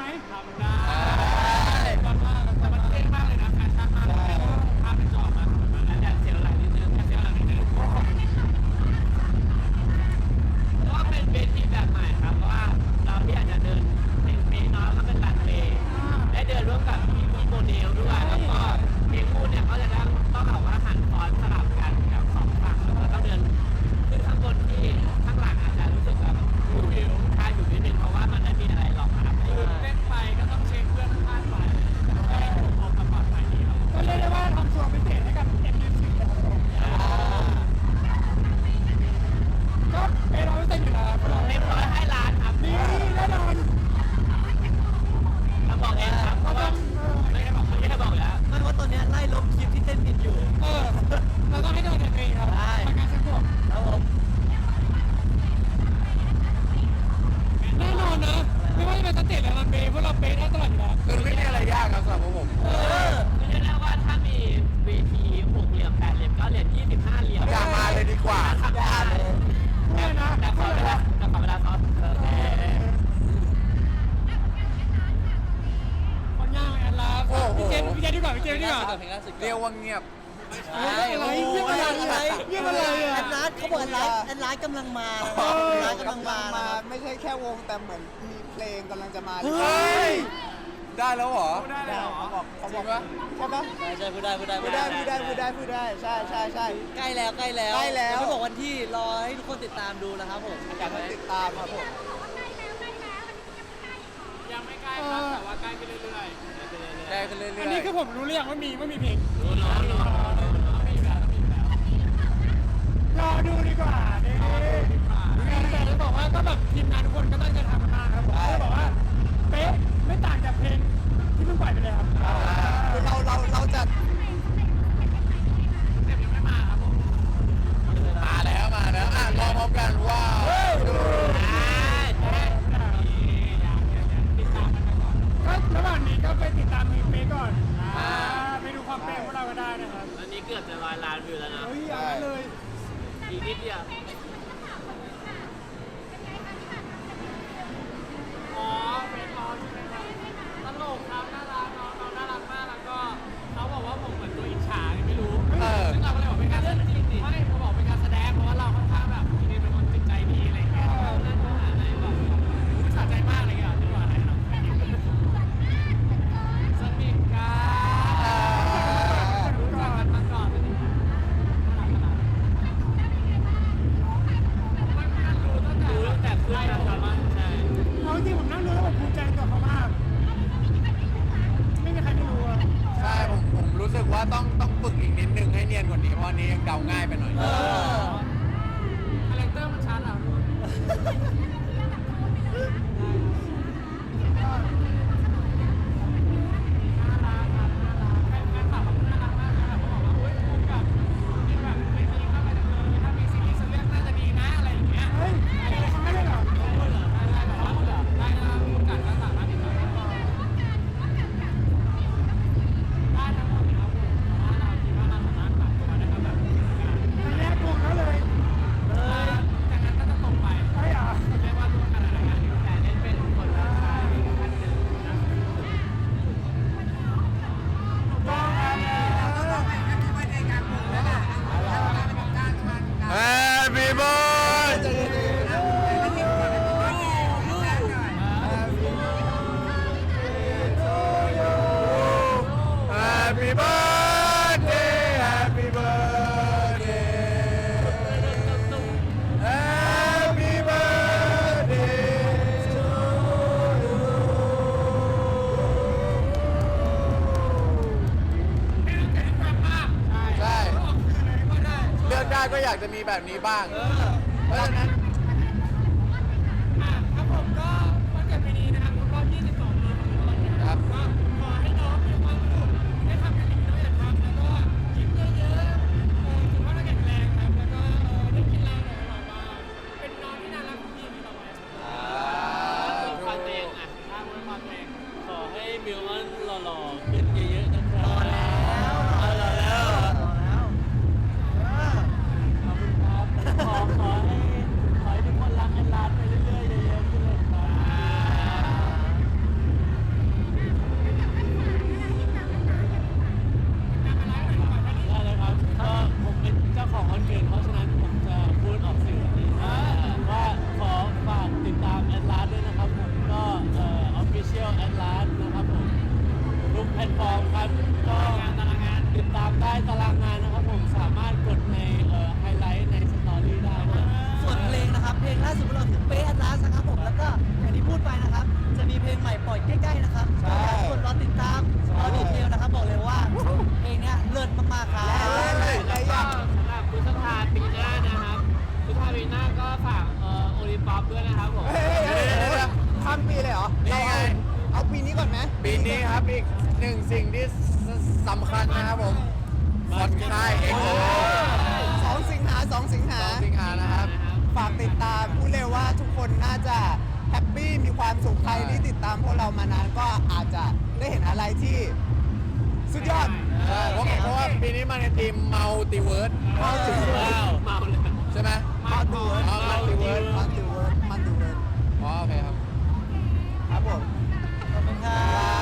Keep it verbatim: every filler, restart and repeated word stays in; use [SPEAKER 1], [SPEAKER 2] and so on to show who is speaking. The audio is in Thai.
[SPEAKER 1] ทำได้ตอนว่าแต่มันเท่มากเลยนะแฟชั่นมากเลยภาพเป็นจอมาแล้วแดดเสียวไหลนิดนึงแดดเสียวไหลนิดนึงเพราะว่าเป็นเวทีแบบใหม่ครับเพราะว่าเราที่อาจจะเดินเป็นเมย์น้อยแล้วเป็นรันเวย์ได้เดินร่วมกับพี่พี่โมเดลด้วยแล้วก็เพลงคู่เนี่ยเขาจะต้องต้องแบบว่าหันฟอนสลับกันกับสองฝั่งแล้วก็ต้องเดินขึ้นข้างบนที่ข้างหลังอาจจะรู้สึกแบบวิวคาอยู่นิดนึงเพราะว่ามันไม่มีอะไรหรอกครับเล่นไปก็ต้องเช็คเพื่อนข้างไปให้ถูกออกมาปลอดภัยดีครับก็เรียกได้ว่าทำส่วนพิเศษให้กับ เอ็ม ยู ซี นะครับผมก็เป็นร้อยเปอร์เซ็นต์อยู่แล้วครับเรียบร้อยให้ล้านครับนี่แน่นอนเราบอกเองครับเพราะว่าไม่ได้บอกไม่ได้บอกแล้วไม่ว่าตอนนี้ไล่ลบคลิปที่เต้นผิดอยู่เออเราต้องให้โดนเองครับประกันสังคมครับผมแน่นอนนะไม่ว่าจะเป็นสเตจหรือรันเวย์พวกเราเป๊ะได้ตลอดอยู่แล้วคือไม่มีอะไรยากครับสำหรับพวกผมเออไม่ใช่แล้วว่าถ้ามีเวทีหกเหลี่ยมแปดเหลี่ยมเก้าเหลี่ยมยี่สิบห้าเหลี่ยมอย่ามาเลยดีกว่าทำได้เลยแต่ขอเวลาแต่ขอเวลาซ้อมเออคนย่างแอนลาพี่เจนพี่เจนดีกว่าพี่เจนดีกว่า
[SPEAKER 2] เรียกว่าเงียบ
[SPEAKER 1] อะไรเงียบอะไรเงียบอะไร
[SPEAKER 3] แอนลาสเขาบอกแอนลาสแอนลาสกำลังมาแอนลาสกำลังมา
[SPEAKER 4] ไม่ใช่แค่วงแต่เหมือนมีเพลงกำลังจะมา
[SPEAKER 2] เฮ้ยได้แล้วเหรอ
[SPEAKER 1] ได้แล้ว
[SPEAKER 4] เขาบอกเขาบอกว่าใช่ปะ
[SPEAKER 3] ใช่ใช่พูดได้พูดได้
[SPEAKER 4] พูดได้พูดได้พูดได้พูดได้ใช่ใช่ใช่
[SPEAKER 3] ใกล้แล้วใกล้แล้ว
[SPEAKER 4] ใกล้แล้ว
[SPEAKER 3] ไม่บอกวันที่รอให้ทุกคนติดตามดูนะครับผม
[SPEAKER 4] อยากให้ติดตามครับผม
[SPEAKER 1] ยังไม่ใกล้ครับแต่ว่าใกล้ขึ้นเรื่อยๆ
[SPEAKER 2] ใกล้ขึ้นเรื่อยๆ
[SPEAKER 1] อันนี้คือผมรู้เรื่องว่ามีว่ามีเพลงรู้แล้วรู้แล้วมีแบบมีแบบรอดูดีกว่าเนี่ยแต่จะบอกว่าก็แบบทีมงานทุกคนก็ตั้งใจทำกันมากครับผมก็บอกว่าเป๊ะไม่ต่างจากเพลงที่เพิ่งปล่อยไปเลยครับ
[SPEAKER 4] เราเราเราจะ
[SPEAKER 1] เต็มยังไม่มาครับผม
[SPEAKER 2] มาแล้วมาแล้วอ่ะรอพร้อมกันว้าว
[SPEAKER 1] ติดตามกันไปก่อนก็ระหว่างนี้ก็ไปติดตามเพลงเป๊ะก่อนไปดูความเป๊ะของเราก็ได้นะครับ
[SPEAKER 5] อันนี้เกือบจะร้อยล้านวิวแล้วนะ
[SPEAKER 1] เฮ้ยเอาเลย
[SPEAKER 5] อีกนิดเดียว
[SPEAKER 1] อ๋อเป็นร้อนใช่ไหมครับตลกครับน่ารักน้องน้องน่ารักมากแล้วก็เขาบอกว่าผมเหมือนตัวอิจฉาไม่รู้ซึ่งเราก็เลยบอกเป็นการเล่นจริงไม่เขาบอกเป็นการแสดงเพราะว่าเราค่อนข้างแบบจริงๆเป็นคนจิตใจดีอะไรอย่างเงี้ยเล่นเนื้อหาอะไรแบบสะใจมากอะไรอย่างเงี้ยที่ว่าอะไรเนาะสนิทกันรู้จักกันมาก่อนเป็นยังไงรู้ตั้งแต่รู้ตั้งแต่เพื่อนกันมาใช่เอาจริงผมนั่งดูแล้วผมภูมิใจกับเขามากไม่มีใครไม่รู้อะ
[SPEAKER 2] ใช่ผมผมรู้สึกว่าต้องต้องฝึกอีกนิดนึงให้เนียนกว่านี้เพราะนี้ยังเดาง่ายไปหน่อย
[SPEAKER 1] คาแรคเตอร์มันชัดอ่ะ
[SPEAKER 2] ก็อยากจะมีแบบนี้บ้างเพราะฉะนั้น
[SPEAKER 1] ครับผมก็วันเกิดปีนี้นะครับครบรอบยี่สิบสองปีของเราเนี่ยครับก็ขอให้น้องมีความสุขได้ทำงานที่น้องอยากทำแล้วก็ยิ้มเยอะๆถือว่าเราแข็งแรงครับแล้วก็ได้กินอะไรอร่อยๆบ้างเป็นน้องที่น่ารักที่มีต่อไป
[SPEAKER 5] ฟังเพลงอ่ะ
[SPEAKER 1] ถ้าวันฟังเพลง
[SPEAKER 5] ขอให้มิวมันหล่อๆขึ้นเยอะๆนะครับ
[SPEAKER 3] รอแล้ว
[SPEAKER 5] รอแล้ว
[SPEAKER 3] รอแล้ว
[SPEAKER 5] ขอขอให้ามได้ตารางงานนะครับผมสามารถกดในเอ่อไฮไลท์ในสตอรี่ได้ด้วย
[SPEAKER 3] ส่วนเพลงนะครับ เพลงล่าสุดของเราคือเป๊ะอันลาสนะครับผมแล้วก็อย่างที่พูดไปนะครับ จะมีเพลงใหม่ปล่อยใกล้ๆนะครับ
[SPEAKER 4] ใช่
[SPEAKER 3] กดรอติดตามรอดีเทลนะครับบอกเลยว่าเพลงเนี้ยเลิศมากๆครับ
[SPEAKER 1] แล้วก็สำหรับพฤษภาปีหน้านะครับพฤษภาปีหน้าก็ฝากเอ่อโอลิมปิกด้วยนะครับผม
[SPEAKER 4] เฮ้ยเฮ้ยเฮ้ยเฮ้ยข้ามปีเลยเหรอ
[SPEAKER 2] นี่ไง
[SPEAKER 4] เอาปีนี้ก่อนไหม
[SPEAKER 2] ปีนี้ครับอีกหนึ่งสิ่งที่สำคัญนะครับผมคอนค่ายเอ็กโค
[SPEAKER 4] สองสิงหาสองสิงหา
[SPEAKER 2] สองสิงหานะครับ
[SPEAKER 4] ฝากติดตามพูดเลยว่าทุกคนน่าจะแฮปปี้มีความสุขใครที่ติดตามพวกเรามานานก็อาจจะได้เห็นอะไรที่สุดยอด
[SPEAKER 2] ใช่เพราะเพราะว่าปีนี้มาในทีมมัลติเวิร์ส
[SPEAKER 5] ว้าว
[SPEAKER 1] เมาเลย
[SPEAKER 2] ใช่ไหม
[SPEAKER 4] มาดูเวิร์ด
[SPEAKER 2] อ๋อ Multiverse
[SPEAKER 4] มันดูเวิร์ดมันดูเวิร์ด
[SPEAKER 2] อ๋อโอเคครับ
[SPEAKER 4] ครับผม
[SPEAKER 3] ขอบคุณครับ